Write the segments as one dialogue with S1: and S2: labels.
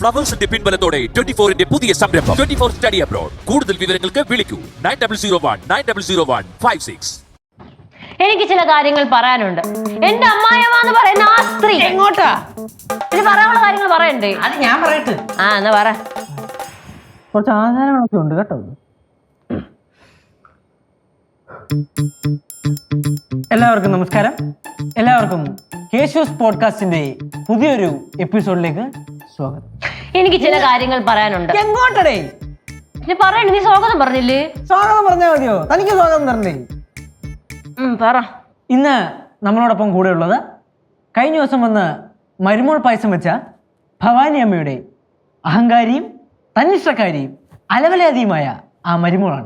S1: ഫ്ലവേഴ്സിന്റെ പിൻബലത്തോടെ 24-ന്റെ പുതിയ സംരംഭം 24 study abroad. കൂടുതൽ വിവരങ്ങൾക്ക് വിളിക്കൂ 9001900156.
S2: എനിക്ക് ചില കാര്യങ്ങൾ പറയാനുണ്ട്. എന്റെ അമ്മായിയമ്മ എന്ന് പറയുന്ന ആ സ്ത്രീ
S3: എങ്ങോട്ടാ?
S2: ഇനി പറയാനുള്ള കാര്യങ്ങൾ പറയണ്ടേ?
S3: അത് ഞാൻ പറയട്ടെ.
S2: എന്നാ പറ.
S3: കുറച്ച് ആചാരങ്ങളൊക്കെ ഉണ്ട് കേട്ടോ. എല്ലാവർക്കും നമസ്കാരം. എല്ലാവർക്കും കേശൂസ് പോഡ്കാസ്റ്റിന്റെ പുതിയൊരു എപ്പിസോഡിലേക്ക് സ്വാഗതം.
S2: എനിക്ക് ചില കാര്യങ്ങൾ പറയാനുണ്ട്.
S3: എങ്ങോട്ടടേ?
S2: നീ പറയണ്ട. നീ സ്വാഗതം പറഞ്ഞില്ലേ?
S3: സ്വാഗതം പറഞ്ഞാൽ മതിയോ? തനിക്ക് സ്വാഗതം തരണ്ടേ?
S2: പറ.
S3: ഇന്ന് നമ്മളോടൊപ്പം കൂടെ ഉള്ളത് കഴിഞ്ഞ ദിവസം വന്ന് മരുമോൾ പായസം വെച്ച ഭവാനി അമ്മയുടെ അഹങ്കാരിയും തന്നിഷ്ടക്കാരിയും അലവലാതിയുമായ ആ മരുമോളാണ്.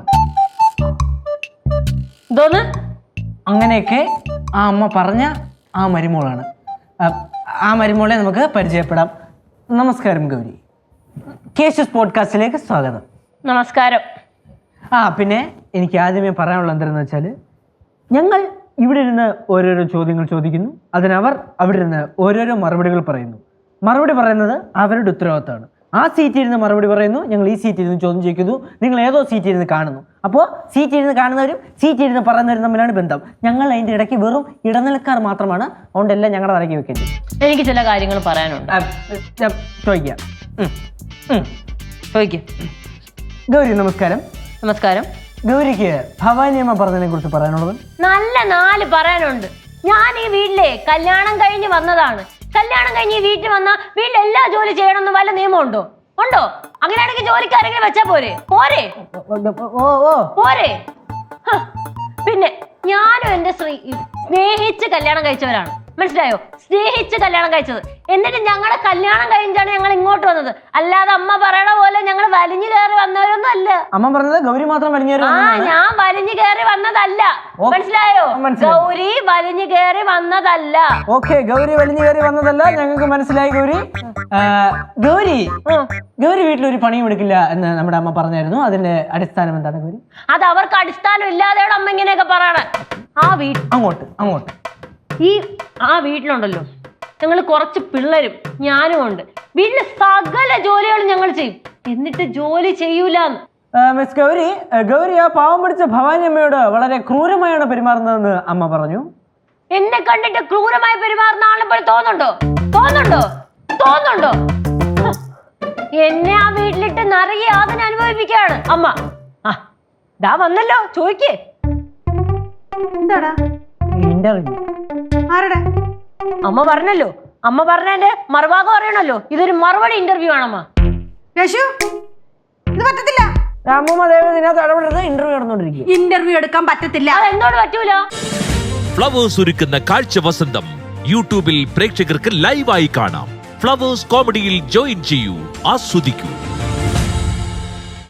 S2: എന്തോന്ന്?
S3: അങ്ങനെയൊക്കെ ആ അമ്മ പറഞ്ഞ ആ മരുമോളാണ്. ആ മരുമോളെ നമുക്ക് പരിചയപ്പെടാം. നമസ്കാരം ഗൗരി. കേശൂസ് പോഡ്കാസ്റ്റിലേക്ക് സ്വാഗതം.
S2: നമസ്കാരം.
S3: പിന്നെ എനിക്ക് ആദ്യമേ പറയാനുള്ള എന്താണെന്ന് വെച്ചാൽ, ഞങ്ങൾ ഇവിടെ ഇരുന്ന് ഓരോരോ ചോദ്യങ്ങൾ ചോദിക്കുന്നു, അതിനവർ അവിടെ ഇരുന്ന് ഓരോരോ മറുപടികൾ പറയുന്നു. മറുപടി പറയുന്നത് അവരുടെ ഉത്തരവാദിത്തമാണ്. ആ സീറ്റിൽ ഇരുന്ന് മറുപടി പറയുന്നു, ഞങ്ങൾ ഈ സീറ്റിൽ ഇരുന്ന് ചോദ്യം ചോദിക്കുന്നു, നിങ്ങൾ ഏതോ സീറ്റിൽ ഇരുന്ന് കാണുന്നു. അപ്പോൾ സീറ്റിൽ ഇരുന്ന് കാണുന്നവരും സീറ്റിൽ ഇരുന്ന് പറയുന്നവരും തമ്മിലാണ് ബന്ധം. ഞങ്ങൾ അതിൻ്റെ ഇടയ്ക്ക് വെറും ഇടനിലക്കാർ മാത്രമാണ്. അതുകൊണ്ടെല്ലാം ഞങ്ങളുടെ തലയ്ക്ക് വെക്കരുത്.
S2: എനിക്ക് ചില കാര്യങ്ങൾ പറയാനുണ്ട്.
S3: ചോദിക്കാം.
S2: ചോദിക്കും.
S3: ഗൗരി നമസ്കാരം.
S2: നമസ്കാരം.
S3: ഗൗരിക്ക് ഭവാനി അമ്മ പറഞ്ഞതിനെ കുറിച്ച് പറയാനുള്ളത്
S2: നല്ല 4 പറയാനുണ്ട്. ഞാൻ ഈ വീട്ടിലെ കല്യാണം കഴിഞ്ഞ് വന്നതാണ്. കല്യാണം കഴിഞ്ഞ് ഈ വീട്ടിൽ വന്ന വീട്ടിൽ എല്ലാ ജോലി ചെയ്യണമെന്ന് വല്ല നിയമമുണ്ടോ? ഉണ്ടോ? അങ്ങനെയാണെങ്കിൽ ജോലിക്കാരെങ്കിലും വെച്ചാ പോരെ? പോരെ? പിന്നെ ഞാനും എന്റെ സ്നേഹിച്ച് കല്യാണം കഴിച്ചവരാണ്. മനസ്സിലായോ? സ്നേഹിച്ച് കല്യാണം കഴിച്ചത്. എന്നിട്ട് ഞങ്ങളുടെ കല്യാണം കഴിഞ്ഞാണ് ഞങ്ങൾ ഇങ്ങോട്ട് വന്നത്. അല്ലാതെ അമ്മ പറയണ പോലെ ഞങ്ങൾ വലിഞ്ഞു കയറി വന്നവരൊന്നും അല്ല.
S3: അമ്മ പറഞ്ഞത് ഗൗരി മാത്രം വലിഞ്ഞു കയറി.
S2: ഞാൻ വലിഞ്ഞു കയറി വന്നതല്ല. മനസ്സിലായോ? ഗൗരി വലിഞ്ഞു കയറി വന്നതല്ല.
S3: ഓക്കെ, ഗൗരി വലിഞ്ഞു കയറി വന്നതല്ല, ഞങ്ങൾക്ക് മനസ്സിലായി. ഗൗരി വീട്ടിലൊരു പണിയും എടുക്കില്ല എന്ന് നമ്മുടെ അമ്മ പറഞ്ഞായിരുന്നു. അതിന്റെ അടിസ്ഥാനം എന്താണ് ഗൗരി?
S2: അത് അവർക്ക് അടിസ്ഥാനം ഇല്ലാതെയാണ് അമ്മ ഇങ്ങനെയൊക്കെ പറയണേ.
S3: അങ്ങോട്ട്
S2: ആ വീട്ടിലുണ്ടല്ലോ, ഞങ്ങൾ കുറച്ച് പിള്ളേരും ഞാനും ഉണ്ട്. വീട്ടിലെ സകല ജോലികളും ഞങ്ങൾ ചെയ്യും. എന്നിട്ട് ജോലി ചെയ്യൂലെന്ന്.
S3: മിസ് ഗൗരി ആ പാവം പിടിച്ച ഭവാനി അമ്മയോട് വളരെ ക്രൂരമായാണ് പെരുമാറുന്നതെന്ന് അമ്മ പറഞ്ഞു.
S2: എന്നെ കണ്ടിട്ട് ക്രൂരമായി പെരുമാറുന്ന ആളെ പോലെ തോന്നുന്നുണ്ടോ? എന്നെ ആ വീട്ടിലിട്ട് നിറയെ യാതന അനുഭവിപ്പിക്കുകയാണ് അമ്മ. ദാ വന്നല്ലോ, ചോദിക്കേ.
S3: എന്താടാ ഇന്റർവ്യൂ? ആരുടെ?
S2: അമ്മ പറഞ്ഞല്ലോ. അമ്മ പറഞ്ഞതിന്റെ മറുഭാഗം അറിയണല്ലോ. ഇതൊരു മറുപടി ഇന്റർവ്യൂ ആണമ്മ.
S3: ഇത് പറ്റത്തില്ല. ഇന്റർവ്യൂ എടുക്കാൻ പറ്റത്തില്ല.
S2: അതെന്തോട് പറ്റൂല?
S1: ഫ്ലവേഴ്സ് ഒരുക്കുന്ന കാഴ്ച വസന്തം യൂട്യൂബിൽ പ്രേക്ഷകർക്ക് ലൈവായി കാണാം. ഫ്ലവേഴ്സ് കോമഡിയിൽ ജോയിൻ ചെയ്യൂ, ആസ്വദിക്കൂ.